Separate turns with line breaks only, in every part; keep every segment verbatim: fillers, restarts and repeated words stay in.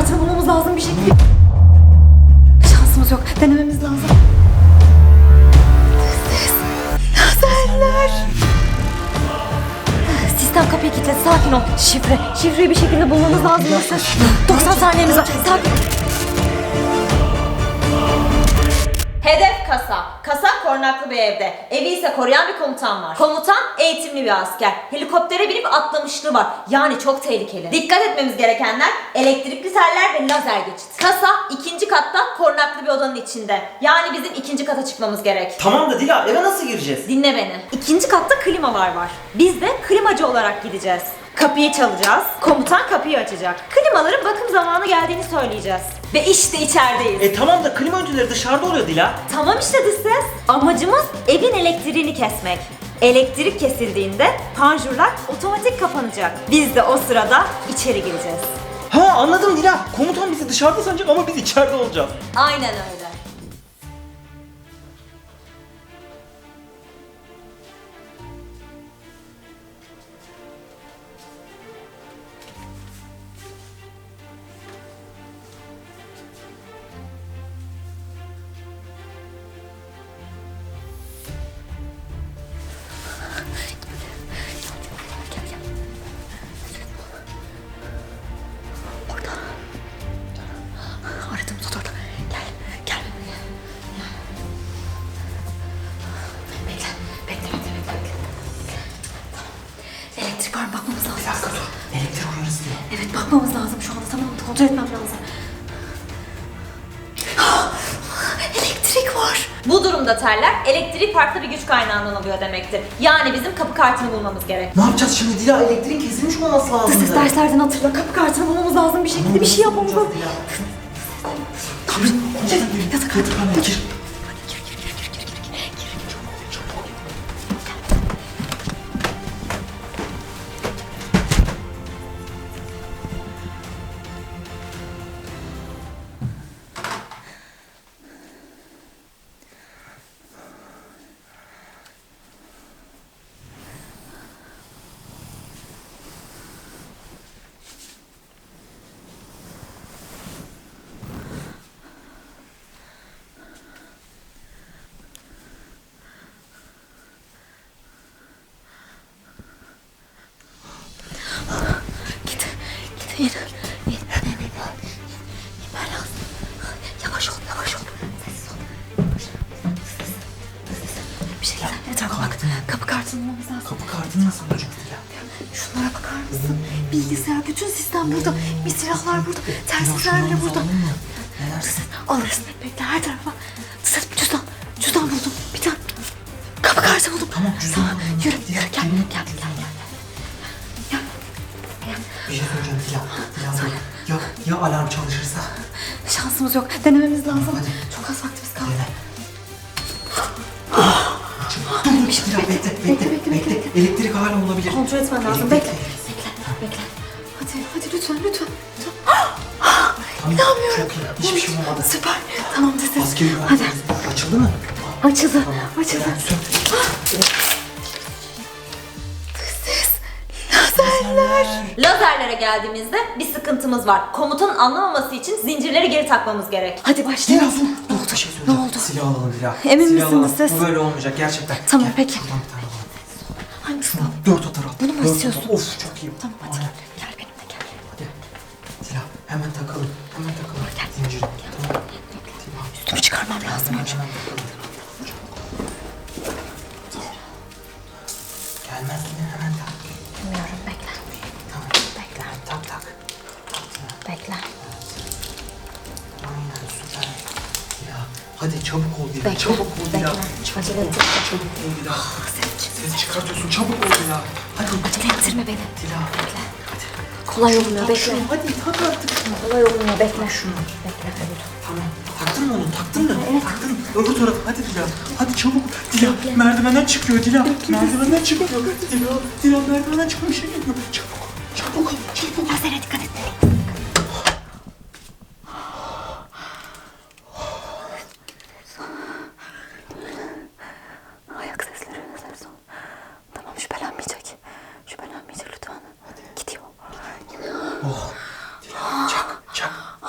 kartını bulmamız lazım bir şekilde. Şansımız yok. Denememiz lazım. Lazerler. Sistem kapıyı kilitledi. Sakin ol. Şifre. Şifreyi bir şekilde bulmamız lazım. doksan saniyemiz var. Sakin.
Hedef kasa. Kasa korunaklı bir evde. Evi ise koruyan bir komutan var. Komutan eğitimli bir asker. Helikoptere binip atlamışlığı var. Yani çok tehlikeli. Dikkat etmemiz gerekenler elektrikli teller ve lazer geçit. Kasa ikinci katta korunaklı bir odanın içinde. Yani bizim ikinci kata çıkmamız gerek.
Tamam da Dila, eve nasıl gireceğiz?
Dinle beni. İkinci katta klimalar var. Biz de klimacı olarak gideceğiz. Kapıyı çalacağız. Komutan kapıyı açacak. Klimaların bakım zamanı geldiğini söyleyeceğiz. Ve işte içerideyiz.
E tamam da klima öncüleri dışarıda oluyor Dila.
Tamam işte dış ses. Amacımız evin elektriğini kesmek. Elektrik kesildiğinde panjurlar otomatik kapanacak. Biz de o sırada içeri gireceğiz.
Ha anladım Dila. Komutan bizi dışarıda sanacak ama biz içeride olacağız.
Aynen öyle.
Aradığımız oda orada. Gel. Gel. Bekle. Bekle. Bekle. Bekle. Bekle. Tamam. Elektrik var mı? Bakmamız lazım.
Bir dakika dur. Elektrik uyarısı diyor.
Evet bakmamız lazım şu anda. Tamam kontrol etmem lazım. Elektrik var.
Bu durumda teller elektrik farklı bir güç kaynağından alıyor demektir. Yani bizim kapı kartını bulmamız gerek.
Ne yapacağız şimdi Dila? Elektriğin kesilmiş olması lazım.
Dış ses derslerden hatırla. Kapı kartını bulmamız lazım bir şekilde. Bir şey yapmamız lazım. Tamam. Yatak hadi.
Hadi gir.
Git. Git. İn. İn. İn. İn. İnmen lazım. Yavaş ol. Yavaş ol. Sessiz ol. Yavaş. Sessiz. Sessiz. Bir şey güzel. Etrafa bak. Kapı kartını bulmamız lazım.
Kapı kartını nasıl bulacağız Dila?
Şunlara bakar mısın? Bilgisayar, bütün sistem burada. Bir silahlar burada. Telsizler bile burada.
Ne dersin?
Alırız. Bekle her tarafa. Ses cüzdan. Cüzdan buldum. Bir tane. Kapı kartı buldum.
Tamam, cüzdan
Tamam.
buldum.
Yürü.
Diğer
Yürü. Gel.
kelime-
Gel. Gel. Gel. Gel. Gel.
Bir şey söyleyeceğim Dila. Dila ya, ya alarm çalışırsa?
Şansımız yok. Denememiz lazım.
Hadi.
Çok az vaktimiz kaldı.
Dene. Dur dur Dila bekle bekle bekle. bekle. Elektrik hala olabilir.
Kontrol etmen lazım.
Elektrik-
Bekle. Bekle. Bekle. Hadi. Hadi lütfen. Lütfen. lütfen.
Tamam,
İnanmıyorum.
çok iyi. Hiçbir şey olmadı.
Süper. Tamam ses.
Askeri
Hadi.
güvenlik açıldı mı?
Açıldı.
Tamam.
Açıldı.
Eren, sök.
Ses. Lazerler.
Lazerlere geldiğimizde bir sıkıntımız var. Komutanın anlamaması için zincirleri geri takmamız gerek.
Hadi
Dila
başlayalım.
dur. Dur bir şey
Ne
söyleyeceğim.
oldu?
Silah alalım Dila.
Emin
Silah
misiniz
alalım.
siz?
Bu böyle olmayacak gerçekten.
Tamam,
Gel,
peki.
Şuradan bir tane alalım.
Hangisi?
Dört atar al.
Bunu mu
Dört
istiyorsun?
atar. Of çok iyi.
Tamam hadi
Aynen.
gel. Gel benimle gel.
Hadi. Dila hemen takalım. Hemen takalım.
Gel.
Zinciri. Tamam. Dila.
Üstümü çıkarmam lazım
Hemen,
önce.
hemen takalım. Gelmez mi? Hemen tak.
Bilmiyorum bekle.
Tamam.
Bekle.
Tak tak. Tak Dila.
Bekle.
Aynen süper. Dila. Hadi çabuk ol Dila.
Bekle.
Çabuk ol Dila.
Bekle.
Çabuk
Acele
ol.
etme.
Çabuk ol Dila.
Ses çık.
Ses çıkartıyorsun. Çabuk ol Dila. Hadi.
Acele ettirme beni.
Dila.
Bekle.
Hadi.
Kolay olmuyor
Tak
bekle.
şunu. Hadi tak artık şunu.
Kolay olmuyor bekle.
Şunu.
Bekle. Evet.
Tamam. Taktın mı onu? Taktın mı?
Evet.
Taktın. Öbür tarafı. Hadi Dila. Hadi çabuk. Dila merdivenden çıkıyor Dila. Merdivenden çıkıyor. Dila. Dila merdivenden çıkıyor. Bir şey geliyor. Çabuk. Çabuk. Çabuk.
Lazere dikkat et. Ayak sesleri. Ses o. Tamam şüphelenmeyecek. Şüphelenmeyecek lütfen. Gidiyor.
Oh. Dila çak. Çak.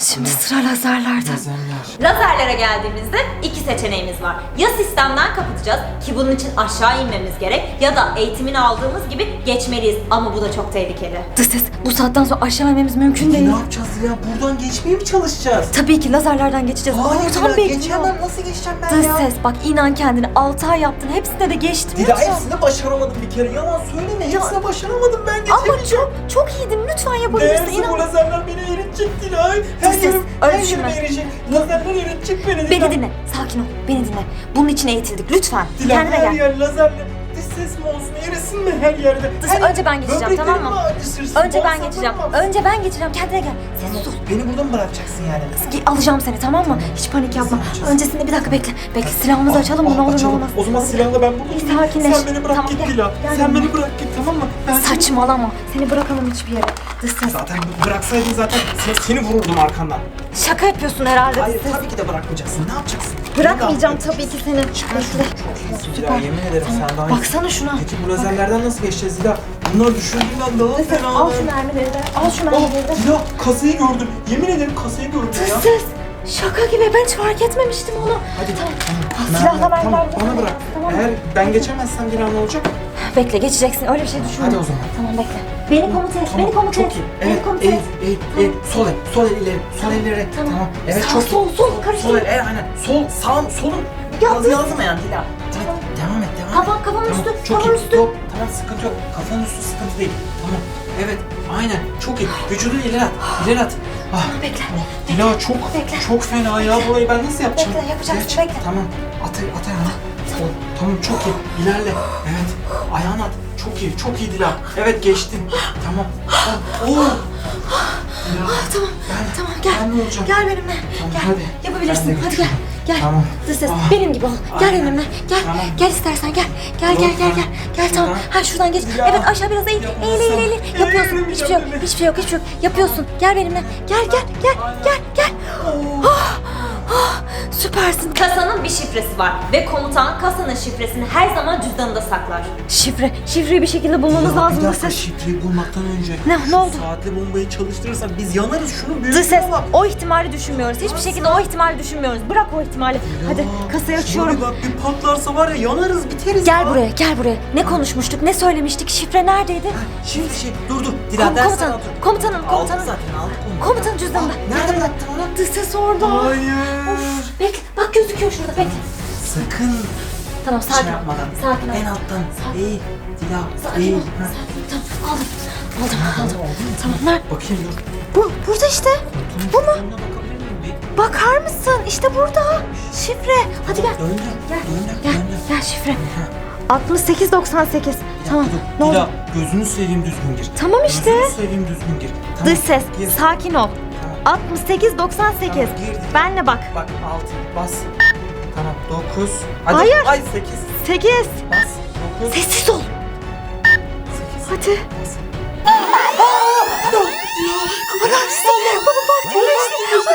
Şimdi sıra lazerlerde.
Lazerler.
Lazerlere geldiğimizde iki seçeneğimiz var. Ya sistemden kapatacağız ki bunun için aşağı inmemiz gerek ya da eğitimini aldığımız gibi geçmeliyiz ama bu da çok tehlikeli.
Dış ses, bu saatten sonra aşağı inmemiz mümkün
Peki
değil.
ne yapacağız ya? Buradan geçmeye mi çalışacağız?
Tabii ki lazerlerden geçeceğiz.
Hayır
Ortam
Dila,
bekliyor.
geçemem. Nasıl geçeceğim ben
Dış
ya?
ses, bak inan kendine altı ay yaptın. Hepsinde de geçtim.
Dila
lütfen.
hepsini başaramadım bir kere. Yalan söyleme. Hepsini başaramadım ben
Ama
geçemeyeceğim.
çok, çok iyiydin. Lütfen yapabilirsin.
Değerse
İnan.
bu lazerler beni eritecek Dila. Her
Sus,
yerim,
öyle
her
düşünme.
yerime eritecek. Lazerler eritecek beni Dila.
Beni dinle. Sakin ol. Beni dinle. Bunun için eğitildik. Lütfen.
Dila
Kendine
her
gel.
yer lazerle. Dış ses mi olsun? Erisin mi her yerde?
Dış-
Her
önce ben geçeceğim,
böbreklerim
tamam mı?
mi acısırsın?
Önce ben
Bağırsaklarım
geçeceğim.
mı acısın?
Önce ben geçeceğim. Kendine gel. Sessiz ol.
Beni burada mı bırakacaksın yani?
Ge- Alacağım seni, tamam mı? Hiç panik yapma.
yapacağız?
Öncesinde bir dakika bekle. Bekle, silahımızı açalım mı? Ne olur ne
Açalım.
olmaz.
O zaman silahla ben burada durayım.
Sakinleş.
Sen beni bırak
Tamam,
git
gel.
Dila.
Gel
Sen
yanıma.
beni bırak git, tamam mı? Ben seni-
Saçmalama. Seni bırakamam hiçbir yere. Dış ses.
Zaten bıraksaydın zaten seni, seni vururdum arkandan.
Şaka yapıyorsun herhalde.
Hayır
Dış ses.
tabii ki de bırakmayacaksın. Ne yapacaksın?
Bırakmayacağım
Ne
tabii ki seni. Bekle.
yapacaksın? Dila yemin ederim sen daha iyi.
Baksana şuna.
Peki bu lazerlerden nasıl geçeceğiz Dila? Bunlar düşündüğümden daha
Dış ses,
fena.
al şu mermileri de. Al şu mermileri de.
Oh, Dila kasayı gördüm. Yemin ederim kasayı gördüm
Dış
ya.
ses. Şaka gibi. Ben hiç fark etmemiştim onu.
Hadi
Tamam.
tamam.
Silahla
Merve,
ben
Tamam
ben-
bana bırak.
Tamam.
Eğer ben geçemezsem Dila ne olacak?
Bekle, geçeceksin. Öyle bir şey düşünme.
Hadi o zaman.
Tamam, bekle. Beni komuta et. Beni komuta et.
Çok iyi.
Beni
Evet,
komuta et.
eğil, eğil, eğil. Sol el, sol el ileri, sol el ileri.
Tamam.
Tamam. Evet,
Sağ,
çok
sol,
iyi.
sol, karıştır.
Sol el, evet, aynen. Sol, sağım, solum.
Ya,
Yazı
dur.
yazmayan Dila. Evet, devam et, devam et.
Kafam- kafam
Tamam,
üstü,
çok
kafam
iyi.
üstü.
Yok, tamam sıkıntı yok. Kafanın üstü sıkıntı değil. Tamam. Evet, aynen. Çok iyi. Vücudunu ileri at, ileri at. Ah.
Bekle.
Dila çok,
Bekle.
çok fena ya. Burayı ben nasıl yapacağım?
Bekle, yapacaksın,
Geç.
bekle.
Tamam. At, at ayağını. Tamam. Tamam, çok iyi. İlerle. Evet. Ayağını at. Çok iyi, çok iyi Dila. Evet, geçtin. Tamam. Oh, oh. Dila.
Tamam.
Ben,
Tamam, gel.
Ben ne olacağım?
Gel benimle.
Tamam,
Gel.
hadi.
Yapabilirsin.
Ben de
Hadi gel.
geçiyorum.
Gel.
Tamam.
Dış ses.
Ah.
Benim gibi ol. Gel
Aynen.
benimle. Gel.
Tamam.
Gel istersen gel. Gel
Yok,
gel gel
ben-
gel. Gel tamam.
Buradan.
Ha şuradan geç.
Ya.
Evet aşağı biraz eğil. Eğil eğil eğil.
Yapamazsam.
Yapıyorsun.
Eğilemeyeceğim
Hiçbir şey yok.
değil mi?
Hiçbir şey yok. Hiçbir şey yok. Yapıyorsun. Gel benimle. Gel gel gel. Gel gel. Ah, ah, süpersin.
Kasanın bir şifresi var ve komutan kasanın şifresini her zaman cüzdanında saklar.
Şifre. Şifreyi bir şekilde bulmamız
Ya,
lazım
bir
dış
dakika,
ses.
şifreyi bulmaktan önce
Ne-
şu
ne oldu?
saatli bombayı çalıştırırsak biz yanarız. Şunu
Dış
büyük
ses. O ihtimali düşünmüyoruz. Hiçbir şekilde o ihtimali düşünmüyoruz. Bırak o ihtimali. Hadi kasayı açıyorum.
Bak bir patlarsa var ya yanarız biteriz
Gel
ya.
buraya, gel buraya. Ne konuşmuştuk, ne söylemiştik? Şifre neredeydi?
Şimdi şey dur dur. Dila
Kom-
dersten
komutanım,
otur.
komutanım,
Aldık
komutanım.
zaten aldık onu.
Komutanın cüzdanında.
Nerede bıraktın onu?
Dış ses orada.
Hayır.
Of, bekle, bak gözüküyor şurada, bekle.
Sakın
Tamam, sakin
şey
ol.
yapmadan.
Sakin ol.
En alttan.
Sakin.
Eğil. Dila.
Sakin
Eğil.
ol.
Ha.
Sakin ol. Tamam, aldım. Aldım, aldım.
Oldu mu?
Tamam, nerede?
Bakayım dur.
Bu, burada işte.
Koltuğun
Bu mu?
üstüne bakabilir miyim? Bir-
Bakar mısın? İşte burada. Şifre. Hadi gel.
Döndüm.
Gel,
Döndüm.
gel,
Döndüm.
gel şifre.
Ha.
altmış sekiz doksan sekiz. Tamam, ne
Dila,
oldu?
gözünü seveyim düzgün gir.
Tamam işte.
Gözünü seveyim düzgün gir. Tamam.
Dış ses,
Gir.
sakin ol. altmış sekiz doksan sekiz.
Tamam, girdim.
Benle bak.
Bak altı bas. Tamam dokuz. Hadi.
Hayır.
Ay sekiz.
sekiz.
Bas. dokuz.
Sessiz ol.
sekiz.
Hadi.
Bas.
Baba bak birleştik.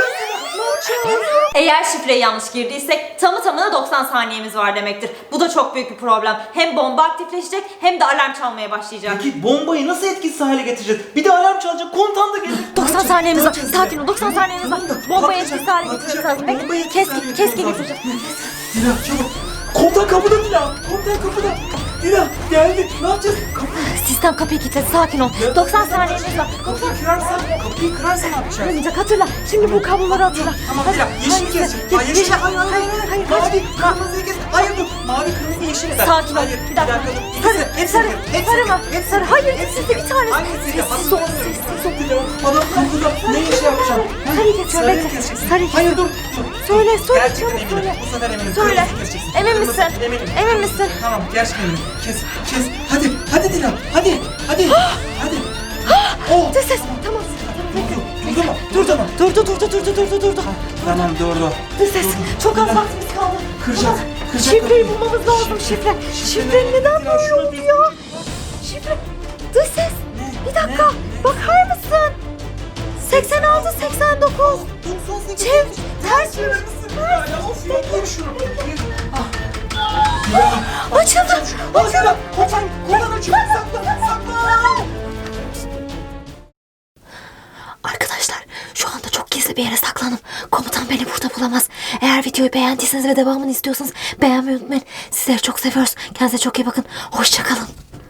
Eğer şifreyi yanlış girdiysek tamı tamına doksan saniyemiz var demektir. Bu da çok büyük bir problem. Hem bomba aktifleşecek hem de alarm çalmaya başlayacak.
Peki bombayı nasıl etkisiz hale getireceğiz? Bir de alarm çalacak, komutan da gelir.
doksan saniyemiz var. Sakin ol. doksan saniyemiz var.
Tamam da
Bombayı
patlayacak,
etkisiz hale
patlayacak.
getirmemiz lazım. Bekle.
Bombayı
Keskin,
etkisiz hale
keskin
getirmemiz
getireceğim.
Dila çabuk. Komutan kapıda Dila. Komutan kapıda. Dila geldik. Ne yapacağız? Kapı.
Sistem kapıyı kilitledi. Sakin ol. doksan saniyemiz var.
Kapıyı kırarsan, kapıyı kırarsan ne yapacağız?
Olmayacak. Hatırla. Şimdi bu kabloları hatırla.
Tamam
Hadi.
Dila, yeşil
Hangisi?
kesecek.
Ye-
Hayır, yeşil. Hayır, hayır, hayır.
hayır.
Mavi, kırmızıyı kes. Hayır dur. Mavi, kırmızı, yeşil. ver.
Sakin ol.
Hayır,
Bir dakika.
dur.
Sarı,
İkisi, hepsi
sarı,
bir. Hepsi
sarı
bir.
mı?
Hepsi
Sarı.
bir.
Hayır,
Hepsi
ikisi de bir tanesi.
Hangisi ya?
Sessiz ol, sessiz ol.
Dila, adam kapıda. Ne iş yapacağım? Ha?
Sarıyı kesiyorum,
Sarıyı
bekle.
keseceksin.
Sarıyı
Hayır dur.
kesiyorum.
dur.
Söyle, söyle,
Gerçekten
çabuk
eminim.
söyle.
Bu sefer eminim.
Söyle.
Kırmızı keseceksin.
Emin
Kırmızı,
misin?
Eminim.
Emin misin?
Tamam, gerçekten eminim. Kes, kes. Hadi, hadi Dila. Hadi, hadi. hadi. Oh.
Dış ses. Tamam.
Durdu. Durdu mu? Durdu mu?
Durdu, durdu, durdu, durdu, durdu.
Tamam, durdu.
Dış ses. Çok az vaktimiz kaldı.
Kıracak,
Tamam.
kıracak
Şifreyi
kapıyı.
bulmamız lazım. Şifre. Şifre
nerede?
neden
Dila,
böyle
şuna
oldu
düz-
ya? Şifre. Dış ses. Bir dakika.
Ne?
Bakar mısın? seksen altı seksen dokuz.
doksan sekiz.
Çev. Ters.
Verir misin Dila ya? Of ya, gir şunu. Gir.
Açıldı.
Bak Dila, komutan, komutan açıyor. Sakla, sakla.
Arkadaşlar şu anda çok gizli bir yere saklanın. Komutan beni burada bulamaz. Eğer videoyu beğendiyseniz ve devamını istiyorsanız beğenmeyi unutmayın. Sizleri çok seviyoruz. Kendinize çok iyi bakın. Hoşça kalın.